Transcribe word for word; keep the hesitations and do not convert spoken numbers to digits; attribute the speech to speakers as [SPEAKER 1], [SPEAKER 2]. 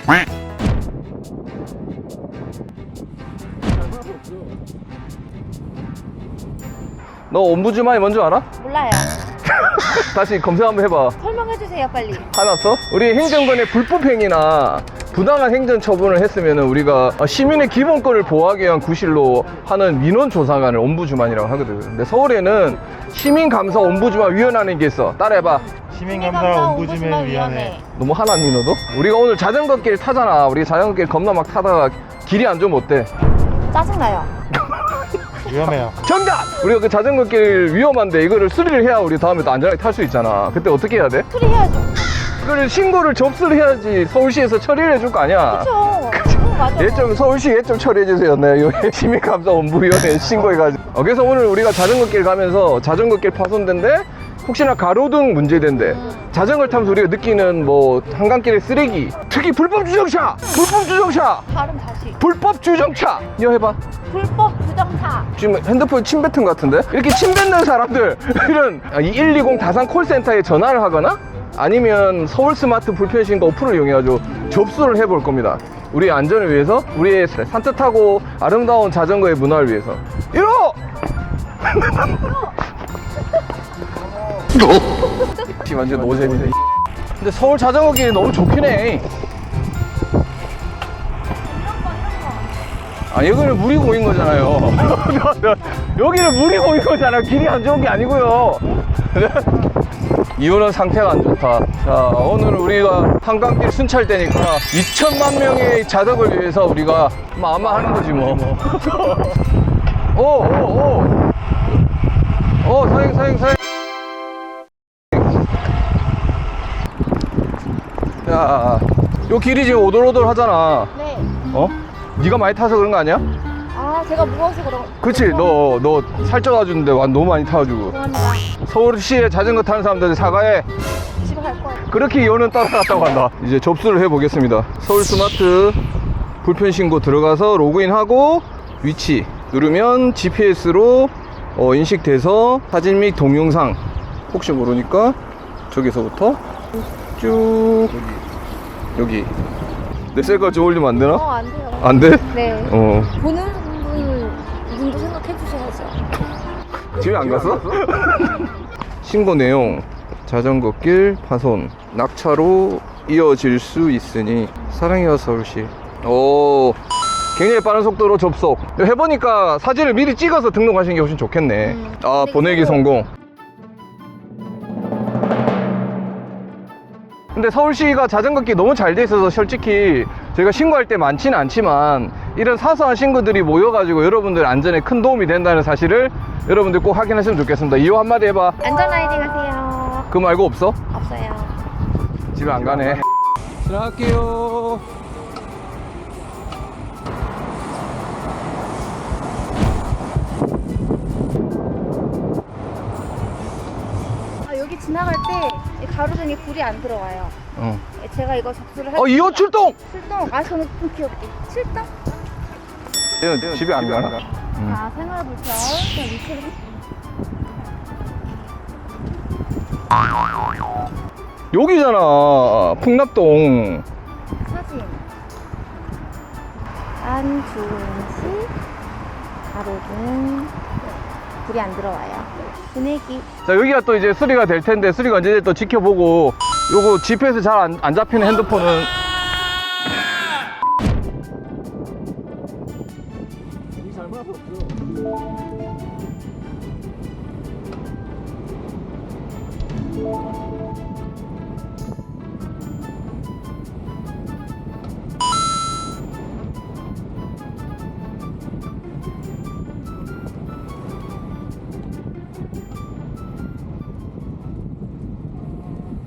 [SPEAKER 1] 너 옴부즈만이 뭔지 알아?
[SPEAKER 2] 몰라요.
[SPEAKER 1] 다시 검색 한번 해봐.
[SPEAKER 2] 설명해주세요, 빨리.
[SPEAKER 1] 화났어? 우리 행정관의 불법행위나 부당한 행정 처분을 했으면 우리가 시민의 기본권을 보호하기 위한 구실로 하는 민원조사관을 옴부즈만이라고 하거든. 근데 서울에는 시민감사 옴부즈만 위원회라는 게 있어. 따라해봐.
[SPEAKER 3] 시민감사 옴부즈맨 위원회.
[SPEAKER 1] 너무 화났니 너도? 우리가 오늘 자전거길 타잖아. 우리 자전거길 겁나 막 타다가 길이 안 좋으면 어때?
[SPEAKER 2] 짜증나요.
[SPEAKER 3] 위험해요.
[SPEAKER 1] 정답! 우리가 그 자전거길 위험한데 이거를 수리를 해야 우리 다음에 또 안전하게 탈 수 있잖아. 그때 어떻게 해야 돼?
[SPEAKER 2] 수리해야죠.
[SPEAKER 1] 그걸 신고를 접수를 해야지 서울시에서 처리를 해줄 거 아니야.
[SPEAKER 2] 그쵸. 응, 맞아.
[SPEAKER 1] 얘 좀 서울시 얘 좀 처리해 주세요. 네, 요 시민감사원부위원회에 신고해가지고. 어, 그래서 오늘 우리가 자전거길 가면서 자전거길 파손된데 혹시나 가로등 문제된데 자전거를 타면서 우리가 느끼는 뭐 한강길의 쓰레기, 특히 불법 주정차, 불법 주정차,
[SPEAKER 2] 발음 다시.
[SPEAKER 1] 불법 주정차. 이거 해봐.
[SPEAKER 2] 불법 부정차.
[SPEAKER 1] 지금 핸드폰 침 뱉은 것 같은데? 이렇게 침 뱉는 사람들 이런 이 일이공 다산 콜센터에 전화를 하거나 아니면 서울 스마트 불편신고 어플을 이용해가지고 접수를 해볼 겁니다. 우리의 안전을 위해서, 우리의 산뜻하고 아름다운 자전거의 문화를 위해서. 이러! 완전 노잼이네. 근데 서울 자전거길이 너무 좋긴 해. 아, 여기는 물이 고인 거잖아요. 여기는 물이 고인 거잖아요. 길이 안 좋은 게 아니고요. 이유는 상태가 안 좋다. 자, 오늘 우리가 한강길 순찰대니까 이천만 명의 자덕을 위해서 우리가 마마 하는 거지 뭐. 오, 오, 오. 오, 사행, 사행, 사행. 야, 요 길이 지금 오돌오돌 하잖아.
[SPEAKER 2] 네.
[SPEAKER 1] 어? 네가 많이 타서 그런 거 아니야?
[SPEAKER 2] 아, 제가 무거워서 그런.
[SPEAKER 1] 그치, 너, 너 살쪄가지고인데 너무 많이 타가지고.
[SPEAKER 2] 죄송합니다.
[SPEAKER 1] 서울시에 자전거 타는 사람들 사과해.
[SPEAKER 2] 집에 갈 거예요.
[SPEAKER 1] 그렇게 이혼은 따라갔다고 한다. 이제 접수를 해보겠습니다. 서울 스마트 불편신고 들어가서 로그인하고 위치 누르면 지피에스로 어, 인식돼서 사진 및 동영상 혹시 모르니까 저기서부터 쭉 여기 내 셀카 좀 올리면 안 되나?
[SPEAKER 2] 어, 안 돼요.
[SPEAKER 1] 안 돼?
[SPEAKER 2] 네.
[SPEAKER 1] 어.
[SPEAKER 2] 보는 분, 분도 생각해 주셔야죠.
[SPEAKER 1] 집에 안 갔어? 신고 내용 자전거길 파손 낙차로 이어질 수 있으니 사랑해요 서울시. 오, 굉장히 빠른 속도로 접속. 해보니까 사진을 미리 찍어서 등록하시는 게 훨씬 좋겠네.
[SPEAKER 2] 음,
[SPEAKER 1] 아,
[SPEAKER 2] 근데
[SPEAKER 1] 보내기
[SPEAKER 2] 그거-
[SPEAKER 1] 성공. 근데 서울시가 자전거길 너무 잘 돼 있어서 솔직히 저희가 신고할 때 많지는 않지만 이런 사소한 신고들이 모여가지고 여러분들 안전에 큰 도움이 된다는 사실을 여러분들 꼭 확인하시면 좋겠습니다. 이호 한마디 해봐.
[SPEAKER 2] 안전 라이딩 하세요.
[SPEAKER 1] 그거 말고 없어?
[SPEAKER 2] 없어요.
[SPEAKER 1] 집에 안 가네. 들어갈게요.
[SPEAKER 2] 아, 여기 지나갈 때 이 가로등에 불이 안 들어와요.
[SPEAKER 1] 어.
[SPEAKER 2] 제가 이거 접수를 할
[SPEAKER 1] 어, 이호 출동!
[SPEAKER 2] 출동. 아, 저는 좀 귀엽게. 출동?
[SPEAKER 1] 얘는 집에 안 가나? 음.
[SPEAKER 2] 아, 생활 불편. 그냥 위치를
[SPEAKER 1] 여기잖아. 풍납동.
[SPEAKER 2] 사진. 안주은씨 가로등 불이 안 들어와요. 보내기.
[SPEAKER 1] 자, 여기가 또 이제 수리가 될 텐데 수리가 언제 될지 또 지켜보고 요거 지피에스 잘 안 안 잡히는 핸드폰은